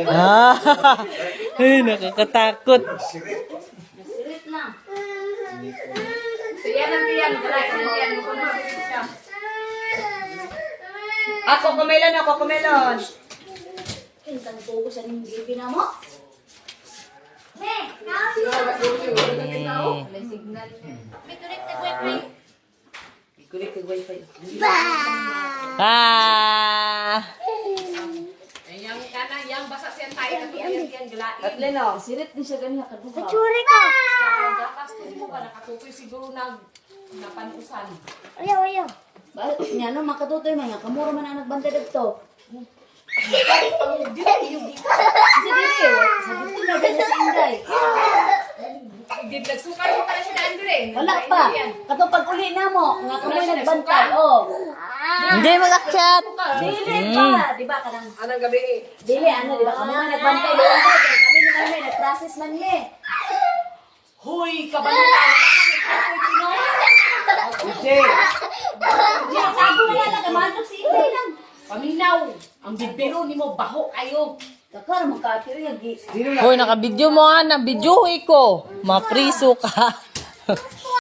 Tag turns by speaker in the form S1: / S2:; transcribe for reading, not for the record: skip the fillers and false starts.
S1: Ah, ay, nakakatakot.
S2: Sirit lang.
S3: Tiyan ang tiyan. Tiyan mo kung masirit siya. Ako kumelon, ako kumelon.
S2: Kintang tuko sa ning bibi na mo.
S3: May signal.
S2: May connect na wifi.
S3: Kulit ka wifi.
S1: Ah!
S3: Yang kanan, yang basa siyan tayo. Yan, galain.
S2: At Leno, sirit din siya ganyan kaduha.
S4: Churi ko.
S3: Sa gatas, mo ba nakatutoy siguro napanusan.
S4: Ayaw, ayaw.
S2: Bakit niya no makatutoy man nga kamura man ang nagbantay dito. Sige, sabi ko na din si Inday.
S3: Hindi nagsukar mo para siya daan dire.
S2: Wala pa. Kato pag uli na mo, nga kami nagbantay. Oh.
S1: Hindi mag-akyat.
S2: Dili pa, di ba kanang
S3: Anong gabi eh?
S2: dili ano, di ba kami nga nagbantay doon ko. Kami na kami nag-process man ni.
S3: Huy, kabalutan.
S2: Di sabi wala na kamantok si Inday lang.
S3: Paminaw. Ang bibiro ni mo, baho kayo.
S2: Kakar mo ka kiri yagi.
S1: Hoy, naka-video mo ha, na-video ko. Mapriso ka.